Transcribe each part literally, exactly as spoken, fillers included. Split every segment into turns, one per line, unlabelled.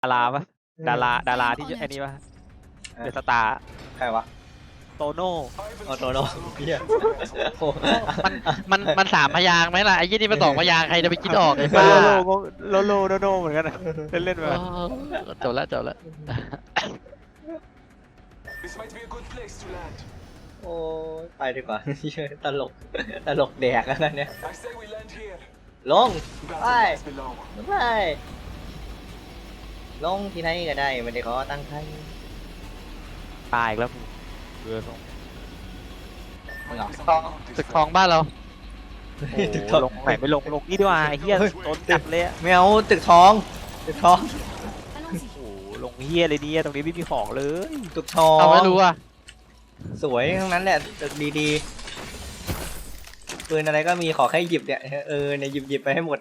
ดาราปะดาราดาราที่ไอ้นี่ปะเดอะสตาร์
ใครวะ
โตโน่
โอโตโน่เฮียโอ้
มันมันมันสามพยางค์ไหมล่ะไอ้ยี่นี่มันสองพยางค์ใครจะไปคิดออกไอ้
โล
บ้า
โลโลโลโนเหมือนกันเล่นเล่นมา
จบแล้วจบแล้ว
โอ้ไปดีกว่าตลกตลกแดกอันนั้นเนี่ยลงไปไปลงที่ไหนก็ได้ไม่ได้ขอตั้งใคร
ตายแล้วเรือตรง
มึงเหรอ
ทองตึกทองบ้านเรา
ตึกท
โอ้
อง
ลงไหนไม่ลงลงนี่ดีกว่าไอ้เหี้ยโดนจับเลยอะ
ไม่เอาตึกทองตึกทอง
โอ้โหลงเหี้ยเลยเนี่ยตรงนี้ไม่มีของเลย
ตึกทอง
เอาไม่รู้อ่ะ
สวยทั้งนั้นแหละตึกดีๆปืนอะไรก็มีขอแค่หยิบเนี่ยเออเนี่ยหยิบหยิบไปให้หมด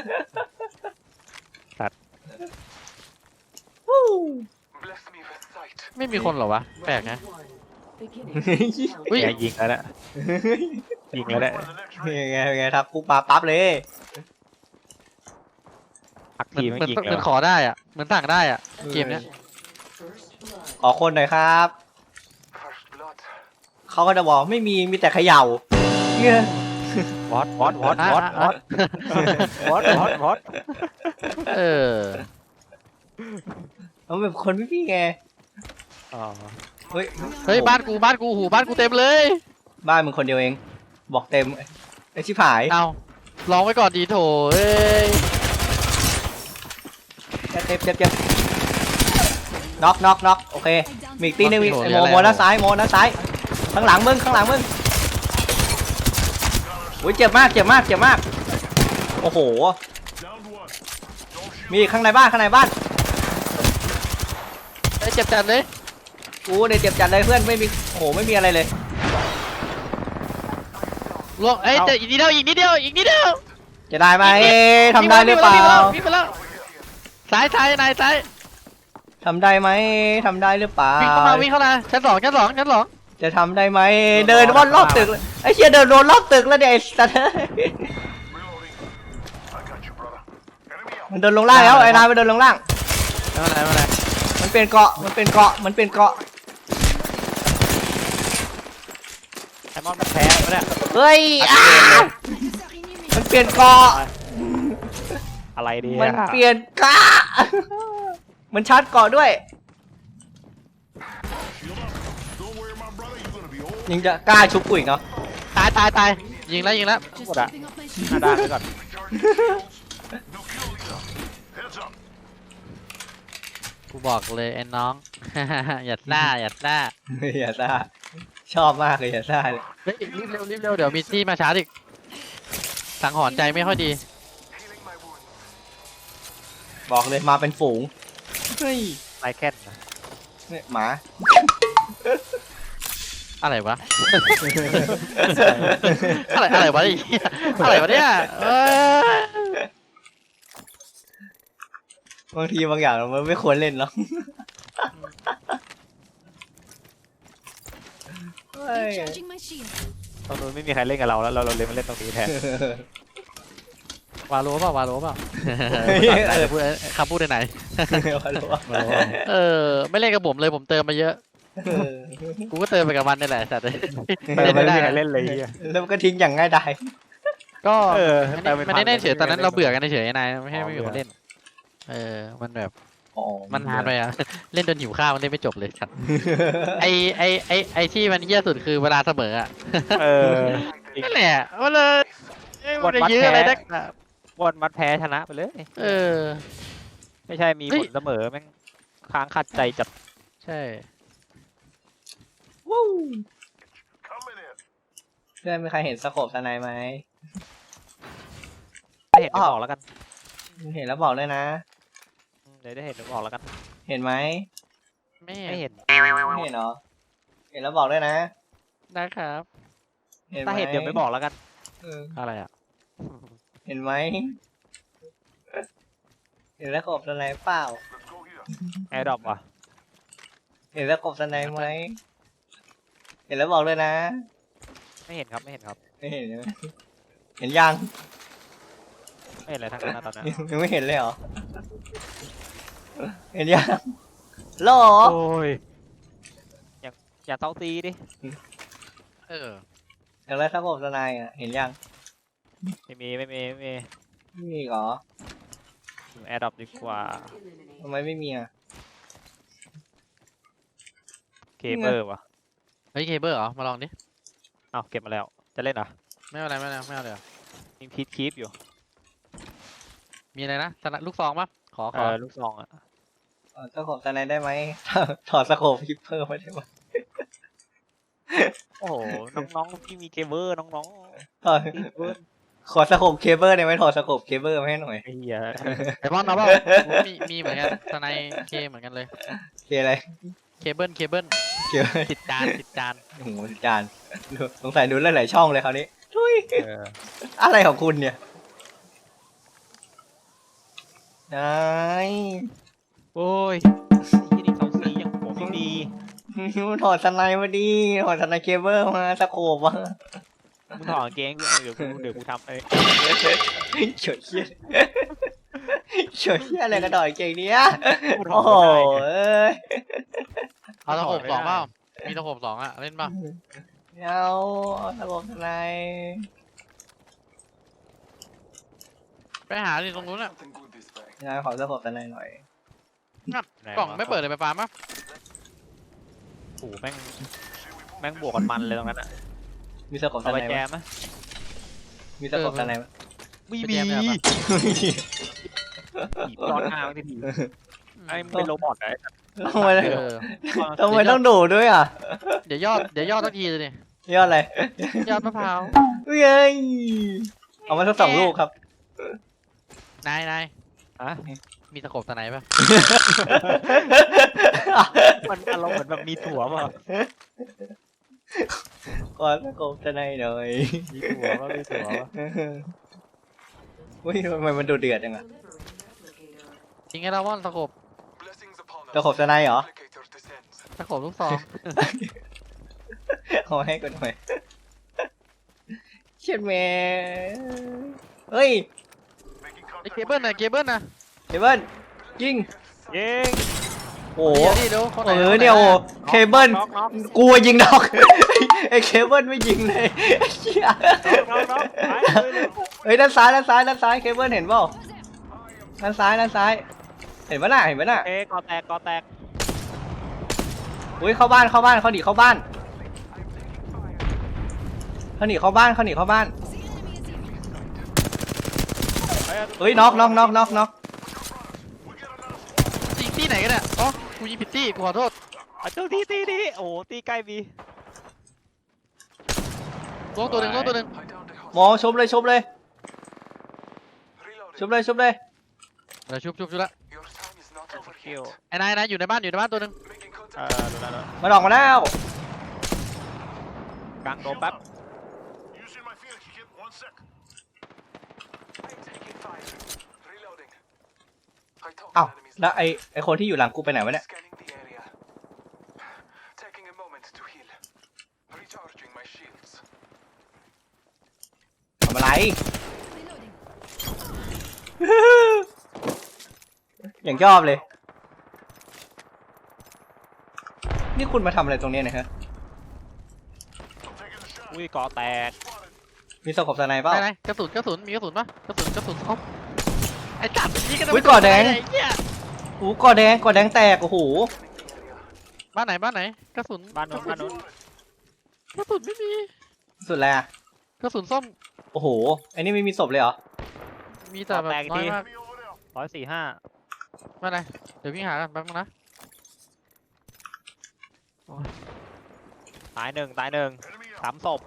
ไม่มีคนเหรอวะแปลกนะ
อุ้ยยิงแล้วแหละยิงแล้วแหละ
ยังไงยังไงครับปุ๊บปั๊บปั๊บเลย
พัก
มัน
ทีไม่
มัน
ยิง
มัน
แล้ว
ขอได้อ่ะมันสั่งได้อ่ะเกมเนี้ย
ขอคนหน่อยครับเขาก็จะบอกไม่มีมีแต่เขย่าเนี่ยว
อตวอตวอตวอตวอตวอตวอตวอต
เออ
มันแบบคนไม่พี่ไง
อ๋อ
เฮ้ย
เฮ้ยบ้านกูบ้านกูหูบ้านกูเต็มเลย
บ้านมึงคนเดียวเอง บอกเต็มไอชิบหาย
เอาลองไว้ก่อนดีโถเอ้ย
เจ็บเจ็บเจ็บเจ็บน็อกน็อกน็อกโอเคมีอีกตีหนึงมีไอโมโมด้านซ้ายโมด้านซ้ายข้างหลังมึงข้างหลังมึงโอ้ยเจ็บมากเจ็บมากเจ็บมากโอ้โหมีข้างในบ้านข้างในบ้าน
เอ้ยเจ็บจัดเลย
กูเนี่ยเจ็บจัดเลยเพื่อนไม่มีโอ้โหไม่มีอะไรเลย
ลวงเอ้ยแต่อีกนิดเดียวอีกนิดเดียวอีกนิดเดียว
จะได้ไหมทำได้หรือเปล่า
วิ่งไปแล้วซ้ายซ้ายนายซ้าย
ทำได้ไหมทำได้หรือเปล่า
วิ่งเข้ามาวิ่งเข้ามาชั้นสองชั้นสองชั้นสอง
จะทำได้ไหมเดินวนรอบตึกเลยไอ้เชี่ยเดินวนรอบตึกแล้วเนี่ยไอ้สัตว์มันเดินลงล่างแล้วไอ้นายมันเดินลงล่าง
ไม่เป็นไรไม่เป็นไร
มันเป็นเกาะมันเป็นเกาะมันเป็นเกาะ
ไอมอนมันแพ้ปะเนี่ย
เฮ้ยอ้าวมันเปลี่ยนเกาะ
อะไรดี
มันเปลี่ยนกะมันชาร์จเกาะด้วยยังจะกล้าชุบกูอีกเนาะ
ตายตายตายยิงแล้วยิงแล้ว
หมดอะหน้าด้านไปก่อน
กูบอกเลยไอ้น้อง อย่าซ่าอย่าซ่า
อย่าซ่าชอบมากเลยอย่าซ่าเลย
เฮ้ยรีบเร็วรีบเร็วเดี๋ยวมีที่มาชาร์จอีกสังหรณ์ใจไม่ค่อยดี
บอกเลยมาเป็นฝูงเฮ้ย
ไลแคนนะ
เนี่ยหมา
อะไรวะ อะไรอะไรวะไอ้เหี้ยอะไรวะเนี่ยเอ้ย
บางทีบางอย่างมันไม่ควรเล่นเนาะเฮ้ย
ตรงนู้นไม่มีใครเล่นกับเราแล้วเราเราเลยมาเล่นตรงนี้แทน
วาโลเปล่าวาโลเปล่าไหนจะพูดคำพูดไหน
วาโลวะ
เออไม่เล่นกับผมเลยผมเติมมาเยอะ
เออ
กูก็เติมไปกับมันนี่แหละสัตว์เลย
เออไม่ได้ใครเล่นเลยเฮีย
แล้วมันก็ทิ้งอย่างง่ายดาย
ก็
เออ
ไม่ได้ไม่ได้เล่นเฉยตอนนั้นเราเบื่อกันเฉยนายไม่ให้ไม่มีคนเล่น เออมันแบบ
อ๋อ
มันนานไปอ่ะ เล่นจนหิวข้าวมันเล่นไม่จบเลยสัตว์ไอไอไอไอที่มันเยี่ยสุดคือเวลาเสมออ่ะ
เออ
นั่นแหละมันเลยมันจะยื้ออะไรนักหนา
บอลมัดแพ้ชนะไปเลย
เออ
ไม่ใช่มี
เฮ้
ผ
ย
ลเสมอแม่งค้างขัดใจจัด
ใช่
วู้เพื่อนมีใครเห็นสโคปสไนไหม
ได้เห็นเดี๋ยวบอกแล้วกัน
เห็นแล้วบอกเลยนะ
เดี๋ยวได้เห็นเดี๋ยวบอกแล้วกัน
เห็นไหม
ไม่
ไม่เห็น
ไม่เห็นเหรอเห็นแล้วบอกด้วยนะ
นะครับ
เห็นไหม
ถ้าเห็นเดี๋ยวไม่บอกแล้วกัน
เออ
อะไรอ่ะ
เห็นไหมเห็นแล้วสโคปสไนเปล่า
แอร์ดรอปว่ะ
เห็นแล้วสโคปสไนไหมเห็นแล้วบอกเลยนะ
ไม่เห็นครับไม่เห็นครับ
ไม่เห็นใช่ไหมเห็นยัง
ไม่เห็นอะไรทั้งนั้นนะตอนนั้น
ยังไม่เห็นเลยเหรอเห็นยังหรอ
โอ้ยอย่าอย่าเซาซีดิ
เออ
อย่างไรถ้าผมทนายอ่ะเห็นยัง
ไม่มีไม่มีไม่มี
ไม่มีเหรอ
แอร์ดรอปดีกว่า
ทำไมไม่มีอ่ะ
เคเบิลวะ
เฮ้ยเคเบิลเหรอมาลองดิ
เอาเก็บมาแล้วจะเล่นเหรอ
ไม่เอาอะไรไม่เอาอะไรไม่เอาเลยเหรอ
ยิงพีทคีปอยู่
มีอะไรนะสนับลูกซองปะขอข
เอ
อ
อลูกซองอ่ะ
เออถ้าผมทนายได้ไหม ถอดสโคปพิปเพิ่มไม่ได้ไหม
โอ้โหน้องๆที่มีเคเบิลน้อง
ถอด
ๆเคเบิล
ขอสโคปเคเบิลได้ไหมถอดสโคปเคเบิลมาให้หน่อย
ไอ้เหี้ย
ไอ้บอลเอาเปล่ากูมีมีเหมือนกันสไนเคเหมือนกันเลย
เคอะไร
เคเบิลเคเบิล
เกี่ยว
ติดจานติดจาน
โอ้โหจานดูสงสัยดูหลายๆช่องเลยคราวนี้ทุย
เออ
อะไรของคุณเนี่ยนาย
โอ้ยที่นี่เซาซียังผมไม่มี
ถอดสไนมาดิถอดสไนเคเบิลมาสโคปมา
มึงถอดกางเกงเดี๋ยวกูเดี๋ยวกูทำไอ้
เฉยเชี่ยเฉยเชี่ยอะไรกระดอยเก่งเนี้ย
กูถ
โอ้
อด
โห
ไม่ได้
เอ้ย
เอาตะขบ
ไม่
ส
ได้
องเปล่ามีตะขบสองอะเล่นป่ะ
เอาสโคปสไน
ไปหาดิตรงนู้นอะ
งานขอสโคปสไนหน่อย
ไหน
กล่อง
วะ
ไม่เปิดเลยไปฟาร์มปะ
โอ้โหแม่งแม่งบวกกันมันเลยตรงนั้นอ่ะ
มีสโคปส
เอา
ไน
ไป
ไห
แจ
ม
มไหม
มีสโคปสไนไหม
ไม่
ไป
มี
แจมเนี่ยปะ
ผีย้อนทางทีทีไอ้มันเป็นโรบอทไอ้
ทำไม
เออ
ทำไมต้องดูด้วยอ่ะ
เดี๋ยวยอดเดี๋ยวยอดสักทีเลยดิ
ยอดอะไร
ยอดมะพร้าว
เฮ้ยเอามาสักสองลูกครับ
นายนาย
ฮะ
มีตะขบสไนปะ
มันอารมณ์เหมือนแบบมีถั่วเปล่ะ
ขอสโคปสไนหน่อย
มีถั่วป่ะมีถั่วป่ะ
เฮ้ยทำไมมันดูเดือดจังอะ
จริงไงเราว่อนตะขบ
สโคปสไนเหรอ
ตะขบลูกซอง
เอาให้กันหน่อยเช็ดแม่เฮ้ย
ไอเคเบิลนะเคเบิลนะ
เคเบิลยิง
เย้ง
โอ้โห
เดี๋ยวดิเดี๋ยวคนไห
เออเนี่ยโอ้เคเบิล
น็อกน็อก
กลัวยิงดอก ไอ้เคเบิลไม่ยิงเลยไอ้เหี้ย
น็อกน็อกไปเลยเลย
เฮ้ยด้านซ้ายด้านซ้ายด้านซ้ายเคเบิลเห็นเปล่าด้านซ้ายด้านซ้าย เห็นปะน่ะเห็นปะน่ะ
เอ๊ะกอแตกกอแตก
อุ้ยเข้าบ้านเข้าบ้านเขาหนีเข้าบ้านเขาหนีเข้าบ้านเขาหนีเข้าบ้านเฮ้ยน็อกน็อกน็อกน็อกน็อก
ยิงที่ไหนกันเนี่ยอ๋อกูยิงผิดที่กูขอโทษ
อ่ะเจ้าตีตีตีโอ้โหตีใกล้บี
ลงตัวหนึ่งลงตัวหนึ่ง
หมอชมเลยชมเลยชมเลยชมเลย
เดี๋ยวชุบชุบชุบละ
คิว
ไอ้นายนายอยู่ในบ้านอยู่ในบ้านตัวหนึ่ง
เออดูแล้วดูแล้ว
มันออกมาแล้ว
กลางโดมแป๊บ
เอ้าแล้วไอไอคนที่อยู่หลังกูไปไหนวะเนี่ยทำอะไร อย่างชอบเลย นี่คุณมาทำอะไรตรงเนี้ยเนะฮะ
อุ้ยกอแตก
มีสกปสไนเปล่า
ไหนไหนกระสุนกระสุนมีกระสุนปะกระสุนกระสุนครบไอ้จัดนี่ก็
อุ๊ยก่อแดง
ไอ้เหี้ย
โอ้กอแดงกอแดงแตกโอ้โห
บ้านไหนบ้านไหนกระสุน
บ้านนู้นบ้านนู้น
กระสุนไม่มี
สุดแล้วอะ
กระสุนส้ม
โอ้โหไอ้นี่ไม่มีศพเลยเหรอ
มีแต่แบบน้อยมาก
ร้อยสี่ห้า
บ้านไหนเดี๋ยวพี่หากันแป๊บนึงนะ
ตายหนึ่งตายหนึ่งสามศพ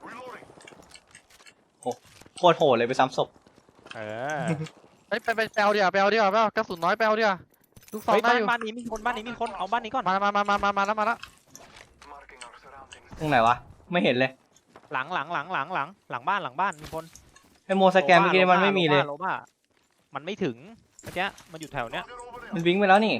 โคตรโหดเลยไปซ้ำศพ
เออ
ไปไปไปแปลเดียวแปลเดียวแปลกระสุนน้อยแปลเดียวลูกซอง
เฮ้ย
ได้
บ้าน
อยู่
บ้านนี้มีคนบ้านนี้มีคนเอาบ้านนี้ก่อน
มามามามามามาแล้วมาแล้ว
ตรงไหนวะ ไม่เห็นเลย
หลังหลังหลังหลังหลังหลังบ้านหลังบ้านมีคน
ไอโมสแกนเมื่อกี้มันไม่มีเลย
โลบ้ามันไม่ถึงเมื่อกี้มันอยู่แถวเนี้ย
มันวิ่งไปแล้วนี่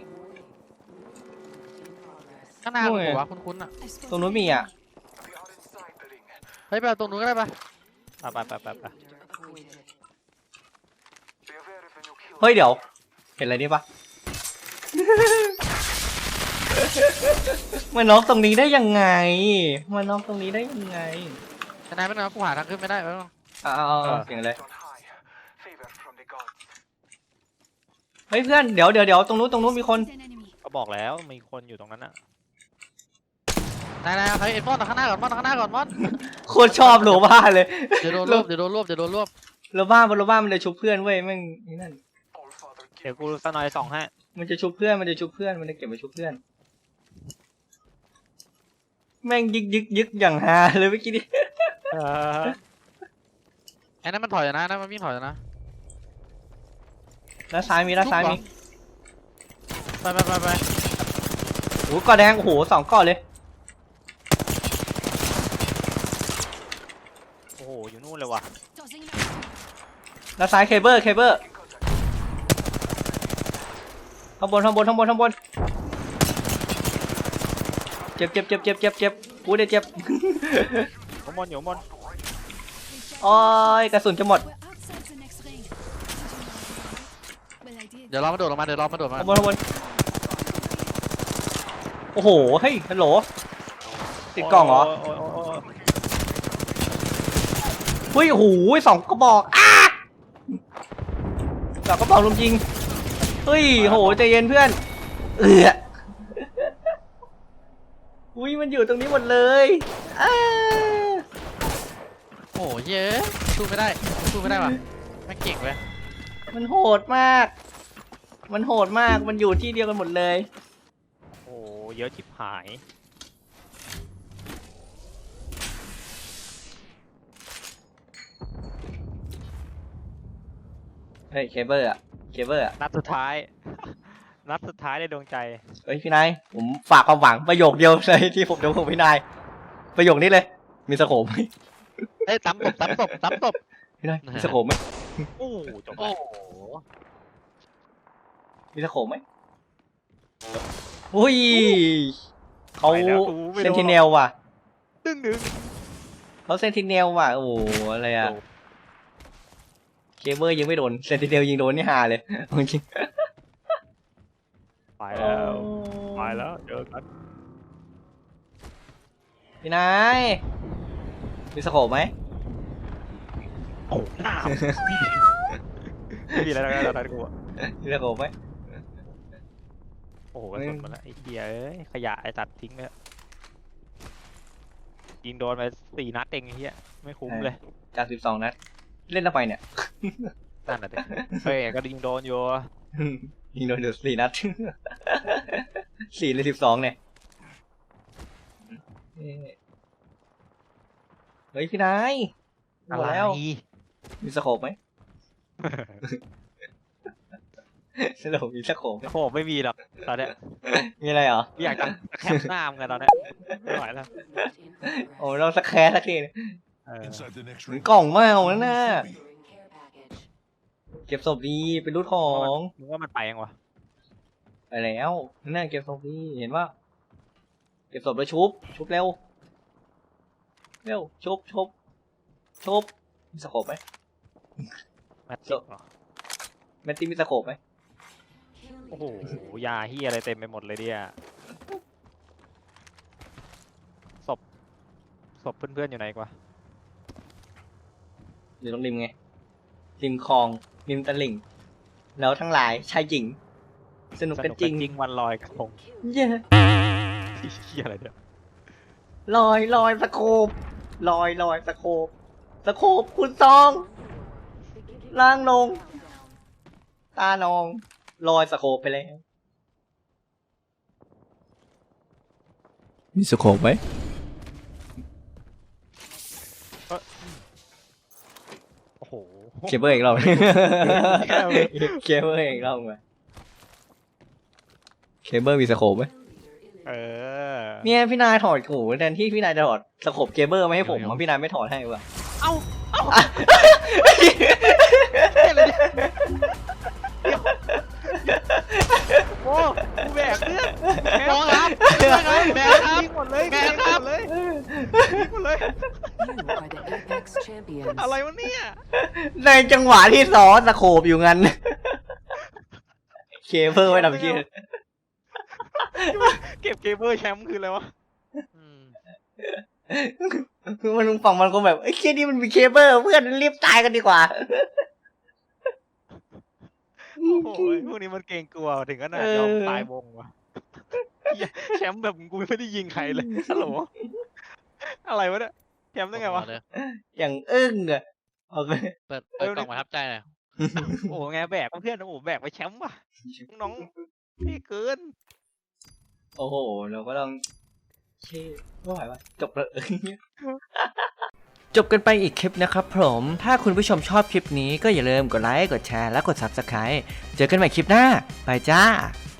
ข้างหน้า
โอ้
คุณ
ย
หัวคุณคุณอ่ะ
ตรงนู้นมีอ่ะ
เฮ้ยไปเอาตรงนู้นก็ได้ปะ
ไปไปไปไปไป
เฮ้ยเดี๋ยว เห็นอะไรนี่ปะมาน็อกตรงนี้ได้ยังไงมาน็อกตรงนี้ได้ยังไง
ทนายเป็นไงกูหาทางขึ้นไม่ได้แล้ว
เอาเอาเอาเสียงเลยเฮ้ยเพื่อนเดี๋ยวเดี๋ยวเดี๋ยวตรงนู้นตรงนู้นมีคน
ก็บอกแล้วมีคนอยู่ตรงนั้นอ่ะ
นายนายใครเอ็นมอนข้างหน้าก่อนมอนข้างหน้าก่อนมอน
โคตรชอบโลบ้าเลย
เดี๋ยวโดนรวบเดี๋ยวโดนรวบเดี๋ยวโดนรวบ
โลบ้าบนโลบ้ามันเลยชุบเพื่อนเว้ยแม่งนี่นั่น
เดี๋ยวกูสนอยสองให้
มันจะชุบเพื่อนมันจะชุบเพื่อนมันจะเก็บไปชุบเพื่อนแม่งยึกยึกยึกอย่างฮาเลยเมื่อกี้นี้
เออ
ไอ้นั่นมันถอยนะนั่นมันวิ่งถอยนะ
ด้านซ้ายมีด้านซ้ายมี
ไปไปไปไป
โอ้โหก่อแดงโอ้โหสองก่อเลย
โอ้โหอยู่นู่นเลยว่ะ
ด้านซ้ายเคเบิลเคเบิลข้างบนข้างบนข้างบนข้างบนเจ็บเจ็บเจ็บเจ็บเจ็บเจ็บกูได้เจ็บ
ข้างบนอยู่ข้างบน
โอ้ยกระสุนจะหมด
เดี๋ยวเรามาโดดลงมาเดี๋ยวเรามาโดดมา
ข้างบนข้างบนโอ้โหเฮ้ยฮัลโหลติดกล่องเหรอ
โยโยโอ้ยโอ้ย
เฮ้ยโอ้โหสองกระบอกอ้าสองกระบอกลุมยิงเฮ้ยโหใจเย็นเพื่อนเอืออุ้ยมันอยู่ตรงนี้หมดเลยอ้า
โอ้ยเย้สู้ไม่ได้สู้ไม่ได้ว่ะไม่เก่งเลย
มันโหดมาก มันโหดมากมันอยู่ที่เดียวกันหมดเลย
โอ้โหเยอะชิบหาย
เฮ้ยเคเบิลอะเคเบิลอะ
นัดสุดท้าย นัดสุดท้ายในดวงใจ
เฮ้ยพี่นายผมฝากความหวังประโยคเดียวเลยที่ผมจะพูดพี่นายประโยคนี้เลยมีสโคปไหม
เอ้ยซ้ำตบซ้ำตบซ้ำตบ
พี่นายมีสโคปไหม
โอ้โหจบ
โอ้
แล้ว
โห
มีสโคปไหมอุ้ยเขา
ไปแล้วกูไม่
เซน
โด
ติ
น
เนลว่ะ
ดึงดึง
เขาเซนติเนลว่ะโอ้โหอะไรอะเคเบิลยิงไม่โดนเซนติเนลยิงโดนนี่ฮาเลยจริง
ไปแล้วไปแล้วเจอกัน
พี่นายมีสโคปไหม
โอ้หน้าไม่มีอะไรแล้วนะกูอะ
มีสโคปไหม
โอ้โหกระสุนหมดแล้วไอ้เหี้ยเอ้ยขยะไอ้ตัดทิ้งไปแล้วยิงโดนไปสี่นัดเองไอ้เหี้ยไม่คุ้มเลย
จากสิบสองนัดเล่นทำไมเนี่ย
นั่นน่ะเด็กเฮ้ยก็ยิงโดนอยู่
ยิงโดนเดือดสี่นัด สี่เลยสิบสองเนี่ยเฮ้ยพี่นายหมดแล้วมีสโคปไหม สโคปมีสโคปไหม
โอ้โหไม่มีหรอกตอนเนี้ย
มีอะไรเหรอ
อยากจะแคปหน้ามึงกันตอนเนี้ยไม่ไหวแล้ว
โอ้เราสักแคสสักที
เออ
เหมือนกล่องเมาแล้วนะเก็บศพดีเป็นรูทของ
มึงว่ามันไปยังวะ
ไปแล้วนั่นเก็บศพดีเห็นว่าเก็บศพแล้วชุบชุบเร็วเร็วชุบชุบชุบมีสโคปไหม
แมตติกเหรอ
แมตตี้มีสโคปไหม
โอ้โหยาเฮียอะไรเต็มไปหมดเลยเนี่ยศพศพเพื่อนๆอยู่ไหนกว่า
อยู่ตรงริมไงริมคลองริมตลิ่งแล้วทั้งหลายชายหญิงสนุกกันจริง
จริงวันลอยกระทง
เย้
เฮียอะไรเนี่ย
ลอยลอยสโคปลอยลอยสโคปสโคปคุณซองล่างลงตานองลอยสโคปไปแล้วมีสโคปไหม
โอ้โห
เคเบิลอีกรอบเคเบิลอีกรอบมาเคเบิลมีสโคปไหม
เออ
เนี่ยพี่นายถอดโหแทนที่พี่นายจะถอดสโคปเคเบิลมาให้ผมพี่นายไม่ถอดให้ว่ะ
เอ้าเอ้าโอ้กูแบกเพื่อน
มองครับแม่ครับ
ยิงหมดเลย
แม่ครับ
เลยยิงหมดเลย
You are the Apex champions.
อะไรวะเนี่ย
ในจังหวะที่ซ้อนสโคปอยู่งั้นเคเบิลไว้ทำเชี่ย
เก็บเกมเมอร์แชมป์คืออะไรวะ
อืม
คือมันฝั่งมันคงแบบไอ้ยเคียนี่มันมีเคเบิลเพื่อนรีบตายกันดีกว่า
โอ้โหพวกนี้มันเกรงกลัวถึงขนาดยอมตายวงวะเหี้ยแชมป์แบบกูไม่ได้ยิงใครเลยฮัลโหลอะไรวะเนี่ยแชมป์ได้ไงวะ
เลย
อย่างอึ้งอะโอเค
เปิดเปิดกล่องประทับใจหน่อย
โอ้โหไงแบกเพื่อนโอ้โหแบกไปแชมป์ว่ะน้องพี่เกิน
โอ้โหเราก็ต้องเช่ไม่ไหววะจบเลย จบกันไปอีกคลิปนะครับผม ถ้าคุณผู้ชมชอบคลิปนี้ก็อย่าลืมกดไลค์ กดแชร์ และกด ซับสไครบ์ เจอกันใหม่คลิปหน้า ไปจ้า